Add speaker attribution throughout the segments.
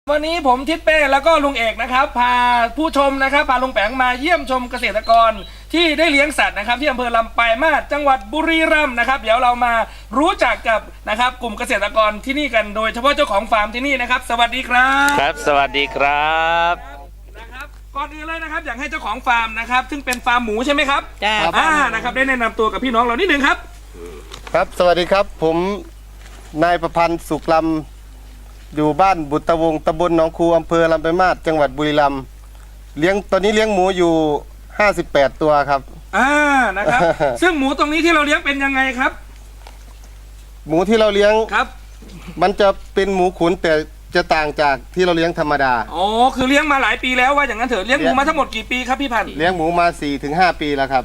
Speaker 1: วันนี้ผมทิศเป้แล้วก็ลุงเอกนะครับพาผู้ชมนะครับพาลุงแปงมาเยี่ยมชมเกษตรกรที่ได้เลี้ยงสัตว์นะครับที่อำเภอลำปลายมาศจังหวัดบุรีรัมย์นะครับเดี๋ยวเรามารู้จักกับนะครับกลุ่มเกษตรกรที่นี่กันโดยเฉพาะเจ้าของฟาร์มที่นี่นะครับสวัสดีครับ
Speaker 2: ครับสวัสดีครับ
Speaker 1: นะครับก่อนอื่นเลยนะครับอยากให้เจ้าของฟาร์มนะครับซึ่งเป็นฟาร์มหมูใช่ไหมครับ
Speaker 3: จ้า
Speaker 1: นะครับได้แนะนำตัวกับพี่น้องเรานิดนึงครับ
Speaker 4: ครับสวัสดีครับผมนายประพันธ์สุขลำอยู่บ้านบุตรวงศ์ตำบลหนองคูอำเภอลำปลายมาศจังหวัดบุรีรัมย์ตอนนี้เลี้ยงหมูอยู่58ตัวครับ
Speaker 1: นะครับ ซึ่งหมูตรงนี้ที่เราเลี้ยงเป็นยังไงครับ
Speaker 4: หมูที่เราเลี้ยง
Speaker 1: ครับ
Speaker 4: มันจะเป็นหมูขุนแต่จะต่างจากที่เราเลี้ยงธรรมดา
Speaker 1: อ๋อคือเลี้ยงมาหลายปีแล้วว่าอย่างนั้นเถอะเลี้ยงหมูมาทั้งหมดกี่ปีครับพี่พันธ์
Speaker 4: เลี้ยงหมูมา 4-5 ปีแล้วครับ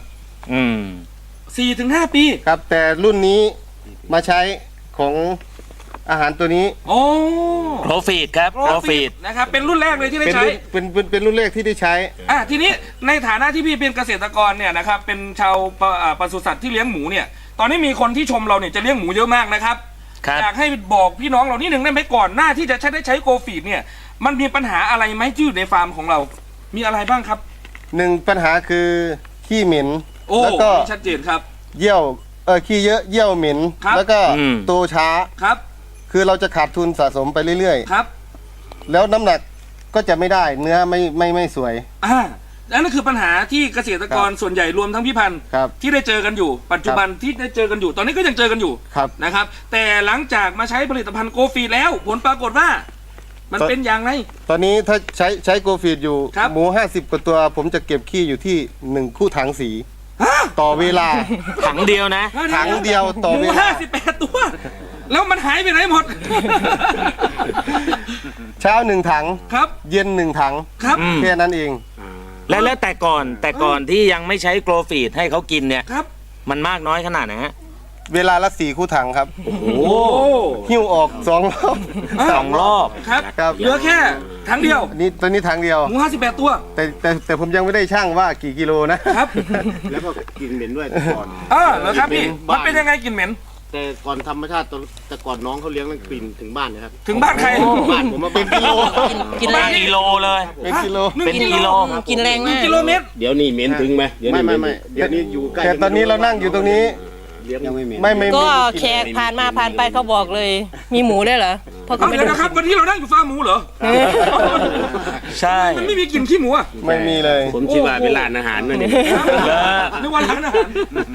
Speaker 1: 4-5 ปี
Speaker 4: ครับแต่รุ่นนี้มาใช้ของอาหารตัวนี้
Speaker 1: โอ้
Speaker 2: โปรฟีดครับโปรฟีด
Speaker 1: นะครับเป็นรุ่นแรกเลยที่ได้ใช้
Speaker 4: เป็นรุ่นแรกที่ได้ใช้
Speaker 1: ทีนี้ในฐานะที่พี่เป็นเกษตรกรเนี่ยนะครับเป็นชาวปศุสัตว์ที่เลี้ยงหมูเนี่ยตอนนี้มีคนที่ชมเราเนี่ยจะเลี้ยงหมูเยอะมากนะครับอยากให้บอกพี่น้องเรานิดหนึ่งได้ไหมก่อนหน้าที่จะได้ใช้โกฟีดเนี่ยมันมีปัญหาอะไรไหมที่อยู่ในฟาร์มของเรามีอะไรบ้างครับ
Speaker 4: 1ปัญหาคือขี้เหม็น
Speaker 1: แล้วก็ชัดเจนครับ
Speaker 4: เยี่ยวขี้เยอะเยี่ยวเหม็นแล้วก็โตช้า
Speaker 1: ครับ
Speaker 4: คือเราจะขาดทุนสะสมไปเรื่อย
Speaker 1: ๆครับ
Speaker 4: แล้วน้ำหนักก็จะไม่ได้เนื้อไม่สวย
Speaker 1: นั่นคือปัญหาที่เกษตรกรส่วนใหญ่รวมทั้งพี่พันธ์ที่ได้เจอกันอยู่ปัจจุบันที่ได้เจอกันอยู่ตอนนี้ก็ยังเจอกันอยู่นะครับแต่หลังจากมาใช้ผลิตภัณฑ์โกฟีดแล้วผลปรากฏว่ามันเป็นอย่างไร
Speaker 4: ตอนนี้ถ้าใช้โกฟีดอยู่หมู50กว่าตัวผมจะเก็บขี้อยู่ที่1คู่ถังสีต่อเวลา
Speaker 2: ถังเดียวนะ
Speaker 4: ถังเดียวต่อเวลา
Speaker 1: 58ตัวแล้วมันหายไปไหนหมด
Speaker 4: เช้า1ถัง
Speaker 1: ครับ
Speaker 4: เย็น1ถัง
Speaker 1: ครับ
Speaker 4: แค่นั้นเอง
Speaker 2: แล้วแต่ก่อนที่ยังไม่ใช้โกลฟีดให้เขากินเนี่ย
Speaker 1: ครับ
Speaker 2: มันมากน้อยขนาดไหนฮะ
Speaker 4: เวลาละ4คู่ถังครับ
Speaker 2: โอ้โห
Speaker 4: หิ้วออก2 รอบ
Speaker 2: 2 รอบ
Speaker 1: ครับเหลือแค่ถังเดียว
Speaker 4: ตอนนี้ถังเดียว
Speaker 1: หมู58ตัว
Speaker 4: แต่ผมยังไม่ได้ช่างว่ากี่กิโล
Speaker 1: นะครับ
Speaker 5: แล้วก็กลิ่นเหม็นด้วยก่อน
Speaker 1: เหรอครับพี่มันเป็นยังไงกลิ่นเหม็น
Speaker 5: แต่ก่อนธรรมชาติแต่ก่อนน้องเขาเลี้ยงนั่นกลิ่นถึงบ้านนะครับ
Speaker 1: ถึงบ้านใคร
Speaker 5: บ้านผมมาเป็นกิโล
Speaker 3: กินแรง
Speaker 2: กิโลเลย
Speaker 4: เป็นกิโล
Speaker 3: กินแรงมาก
Speaker 1: กิโลเมตร
Speaker 5: เดี๋ยวนี้เหม็นถึงไหม
Speaker 4: ไม่
Speaker 5: เดี๋ยวนี้อยู่ใกล้
Speaker 4: แต่ตอนนี้เรานั่งอยู่ตรงนี้
Speaker 5: ยังไม่เหม็น
Speaker 4: ไม่
Speaker 3: ก็แขกผ่านไปเขาบอกเลยมีหมูได้เหรอ
Speaker 1: เพราะเขาไม่ได้นะครับวันนี้เรานั่งอยู่ฟาร์มหมูเหรอ
Speaker 2: ใช่
Speaker 1: มันไม่มีกลิ่นขี้หมูอ่ะ
Speaker 4: ไม่มีเลย
Speaker 5: ผมคิดว่าเป็นร้านอาหารนั่นเอง
Speaker 1: นึกว่าร้านอาหาร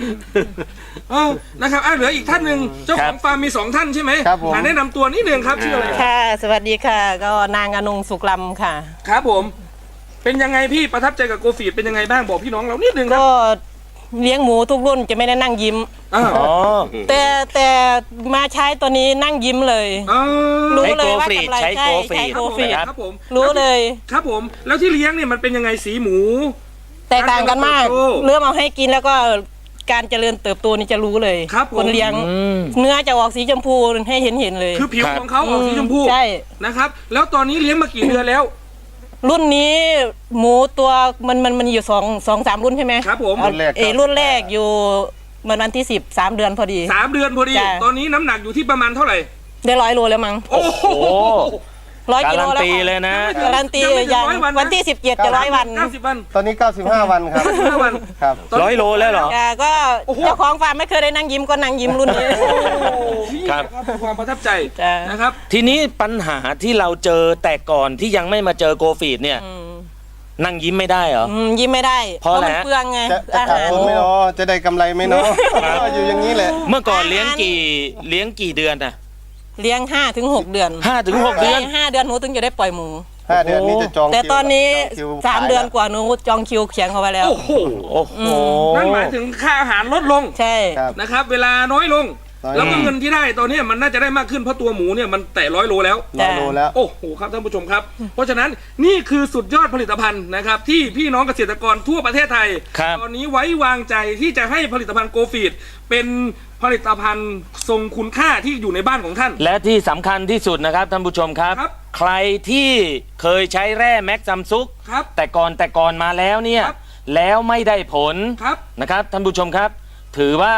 Speaker 1: นะครับเหลืออีกท่านหนึ่งเจ้าของฟาร์มมี2ท่านใช่ไหมแนะนำตัวนิดนึงครับชื่ออะไร
Speaker 3: ค่ะสวัสดีค่ะก็นางอนงสุขลำค่ะ
Speaker 1: ครับผมเป็นยังไงพี่ประทับใจกับโกฟีดเป็นยังไงบ้างบอกพี่น้องเรานิดนึง
Speaker 3: ก็เลี้ยงหมูทุกรุ่นจะไม่ได้นั่งยิ้มแต่มาใช้ตัวนี้นั่งยิ้มเลยรู้เลยว่ากำไรใช้โกฟีด
Speaker 1: ครับผม
Speaker 3: รู้เลย
Speaker 1: ครับผมแล้วที่เลี้ยงเนี่ยมันเป็นยังไงสีหมู
Speaker 3: แตกต่างกันมากเริ่มเอาให้กินแล้วก็การเจริญเติบโตนี่จะรู้เลยคนเลี้ยงเนื้อจะออกสีชมพูให้เห็นเลย
Speaker 1: คือผิวของเขาออกสีชมพู
Speaker 3: ใช่
Speaker 1: นะครับแล้วตอนนี้เลี้ยงมากี่เดือนแล้ว
Speaker 3: รุ่นนี้หมูตัวมันอยู่2-3รุ่นใช่ไหม
Speaker 1: ครับผม
Speaker 3: รุ่นแรกอยู่วันที่13 เดือนพอดี
Speaker 1: 3 เดือนพอดีตอนนี้น้ำหนักอยู่ที่ประมาณเท่าไหร่
Speaker 3: ได้100 โลแล้วมั้ง
Speaker 1: โอ้โห
Speaker 3: 100 กิโลแล้ว
Speaker 2: เลยนะ
Speaker 3: การันตีอย่างวันที่17จะ100 วัน
Speaker 1: 90 วัน
Speaker 4: ตอนนี้95 วันครับ
Speaker 1: 95 วัน
Speaker 4: ครับ
Speaker 2: 100 โลแล้วเหรอ
Speaker 3: ก็เจ้าของฟาร์มไม่เคยได้นั่งยิ้มก็นั่งยิ้มรุ่นนี้
Speaker 1: ครับความประทับใจนะครับ
Speaker 2: ทีนี้ปัญหาที่เราเจอแต่ก่อนที่ยังไม่มาเจอโกฟีดเนี่ยนั่งยิ้มไม่ได้เหรอ
Speaker 3: ยิ้มไม่ได้
Speaker 2: เพราะ
Speaker 3: มันเปลืองไง
Speaker 4: จะขาดทุนไม่เนาะจะได้กำไรไหมเนาะอยู่อย่างนี้แหละ
Speaker 2: เมื่อก่อนเลี้ยงกี่เดือนอะ
Speaker 3: เลี้ยง5-6 เดือน
Speaker 2: 5-6 เดือน
Speaker 3: 5 เดือนหนูถึงจะได้ปล่อยหมู
Speaker 4: 5 เดือนนี้จะจอง
Speaker 3: แต่ตอนนี้3 เดือนกว่าหนูจองคิวเขียนเขาไว้แล้ว
Speaker 1: โอ้โหนั่นหมายถึงค่าอาหารลดลง
Speaker 3: ใช่
Speaker 1: นะครับเวลาน้อยลงแล้วก็เงินที่ได้ตอนนี้มันน่าจะได้มากขึ้นเพราะตัวหมูเนี่ยมันแตะ100 โลแล้วโอ้โหครับท่านผู้ชมครับเพราะฉะนั้นนี่คือสุดยอดผลิตภัณฑ์นะครับที่พี่น้องเกษตรกรทั่วประเทศไทยตอนนี้ไว้วางใจที่จะให้ผลิตภัณฑ์โกฟีดเป็นผลิตภัณฑ์ทรงคุณค่าที่อยู่ในบ้านของท่าน
Speaker 2: และที่สำคัญที่สุดนะครับท่านผู้ชมครับใครที่เคยใช้แร่แม็กซัมซุกแต่ก่อนมาแล้วเนี่ยแล้วไม่ได้ผลนะครับท่านผู้ชมครับถือว่า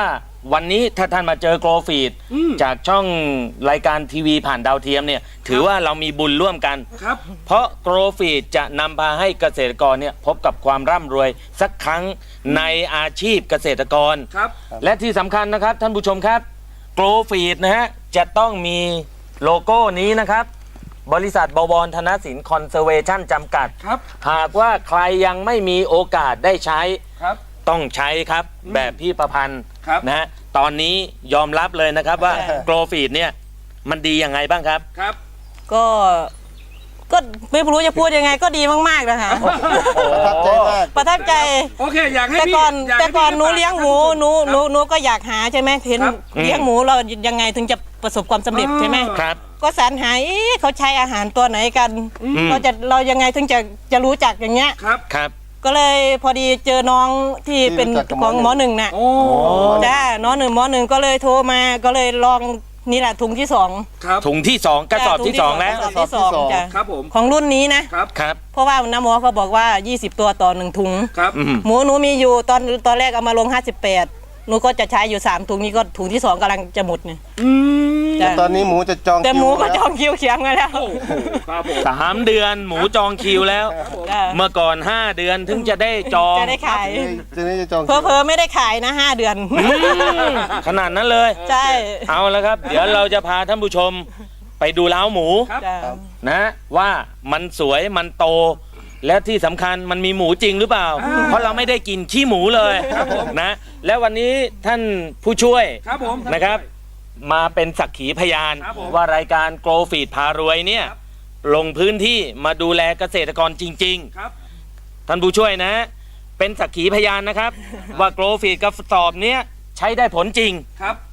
Speaker 2: วันนี้ถ้าท่านมาเจอโกลฟีดจากช่องรายการทีวีผ่านดาวเทียมเนี่ยถือว่าเรามีบุญร่วมกัน
Speaker 1: ครับ
Speaker 2: เพราะโกลฟีดจะนำพาให้เกษตรกรเนี่ยพบกับความร่ำรวยสักครั้งในอาชีพเกษตรกร
Speaker 1: ครับ
Speaker 2: และที่สำคัญนะครับท่านผู้ชมครับโกลฟีดนะฮะจะต้องมีโลโก้นี้นะครับบริษัทบวรธนสินคอนเซอร์เวชั่นจำกัด
Speaker 1: ครับ
Speaker 2: หากว่าใครยังไม่มีโอกาสได้ใช้
Speaker 1: ครับ
Speaker 2: ต้องใช้ครับแบบพี่ประพันธ์
Speaker 1: ครับ
Speaker 2: นะฮะตอนนี้ยอมรับเลยนะครับว่าโกลฟีดเนี่ยมันดียังไงบ้างครับ
Speaker 1: ครับ
Speaker 3: ก็ไม่รู้จะพูดยังไงก็ดีมากๆนะคะ
Speaker 4: ประทับใจมาก
Speaker 3: ประทับใจ
Speaker 1: โอเคอยากให้
Speaker 3: แต่
Speaker 1: พี่
Speaker 3: ก่อน
Speaker 1: ยาก
Speaker 3: แต่
Speaker 1: ให้
Speaker 3: ก่อน
Speaker 1: พี่
Speaker 3: หนูเลี้ยงหมูหนูก็อยากหาใช่ไหมเห็น
Speaker 1: ครับ
Speaker 3: เลี้ยงหมูเรายังไงถึงจะประสบความสำเร็จใช่ไหม
Speaker 2: ครับ
Speaker 3: ก็สรรหาเขาใช้อาหารตัวไหนกัน เรายังไงถึงจะรู้จักอย่างเงี้ย
Speaker 1: ครับ
Speaker 2: ครับ
Speaker 3: ก็เลยพอดีเจอน้องที่เป็น
Speaker 4: ที่รู้จักกับ
Speaker 3: ของห
Speaker 4: ห
Speaker 3: ม
Speaker 4: ม
Speaker 3: อ
Speaker 4: อ
Speaker 3: ห
Speaker 4: หนึ่
Speaker 3: นึ่ง
Speaker 4: ง
Speaker 3: น่ะ
Speaker 1: โอ้
Speaker 3: จ้าหมอหนึ่งก็เลยโทรมาก็เลยลองนี่แหละถุงที่สอง
Speaker 1: ครับ
Speaker 2: ถุงที่ 2กระสอบที่ 2 แล้ว
Speaker 3: กระสอบที่สองจ้ะ
Speaker 1: ครับผม
Speaker 3: ของรุ่นนี้นะครับ
Speaker 2: ครับ
Speaker 3: เพราะว่าน้าหมอเขาบอกว่า 20 ตัวต่อ1ถุง
Speaker 1: ครับ
Speaker 3: หมูหนูมีอยู่ตอนแรกเอามาลง 58หนูก็จะใช้อยู่3ถุงนี้ก็ถุงที่2กำลังจะหมดเนี่ย
Speaker 1: อืม
Speaker 3: จ้ะ
Speaker 4: ตอนนี้หมูจะจอง
Speaker 3: แต่
Speaker 4: คิว
Speaker 3: หมูก็
Speaker 4: แล้ว
Speaker 3: จองคิวเขียงมาแล้ว
Speaker 1: โอ้โหครับผม
Speaker 2: 3 เดือนหมูจองคิวแล้ว
Speaker 3: จ้ะ
Speaker 2: เมื่อก่อน 5 เดือนถึงจะได้จอง
Speaker 3: จะได้ขาย
Speaker 4: จะนี่จะจอง
Speaker 3: เพอไม่ได้ขายนะ5 เดือน
Speaker 2: ขนาดนั้นเลย
Speaker 3: ใช่
Speaker 2: เอาแล้วครับ เดี๋ยวเราจะพาท่านผู้ชมไปดูเล้าหมู
Speaker 1: ครับ
Speaker 3: จ้ะ
Speaker 2: นะว่ามันสวยมันโต และที่สำคัญมันมีหมูจริงหรือเปล่า เพราะเราไม่ได้กินขี้หมูเลยนะและวันนี้ท่านผู้ช่วย
Speaker 1: ครับผม
Speaker 2: นะครับ มาเป็นสักขีพยาน
Speaker 1: ครับผม
Speaker 2: ว่ารายการโกลฟีดพารวยเนี่ย
Speaker 1: ครับ
Speaker 2: ลงพื้นที่มาดูแลเกษตรกรจริง
Speaker 1: ครับ
Speaker 2: ๆ ท่านผู้ช่วยนะ เป็นสักขีพยานนะครับ ว่าโกลฟีดกระสอบเนี้ยใช้ได้ผลจริง
Speaker 1: ครับ